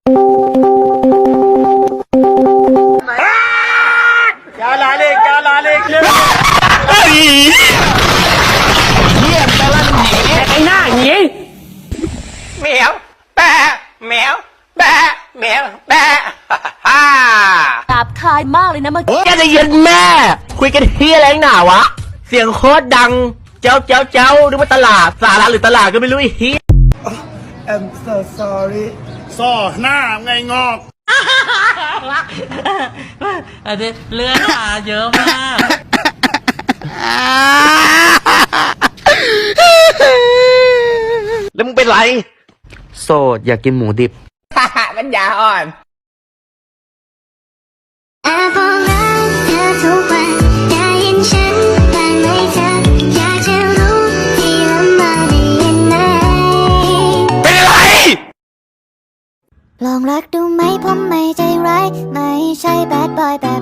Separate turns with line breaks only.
क्या लाले
เยี่ยมแปลว่าหนีไอ้หน้าหนีแมวแปะแมวแปะแมวแปะฮ่า
หยาบคายมากเลยนะเมื่อกี้
แกจะเย็นแม่ คุยกันเฮียอะไรหนาวะ เสียงโคตรดัง เจ้านึกว่าตลาดสาระหรือตลาดก็ไม่รู้ไอ้เฮีย
I'm so sorry ซ่อหน้าไงงอก
อันนี้เลือดมาเยอะมาก
แล้วมึงเป็นไร โสดอยากกินหมูดิบ ปัญญาอ่อน
แอบบอกรักเธอทุกวันได้ยินฉันบ้างไหมเธออยากจะรู้ที่ลำบากได้ยินไหม
เป็นอะไร
ลองรักดูไหมผมไม่ใจร้ายไม่ใช่แบดบอยแบบ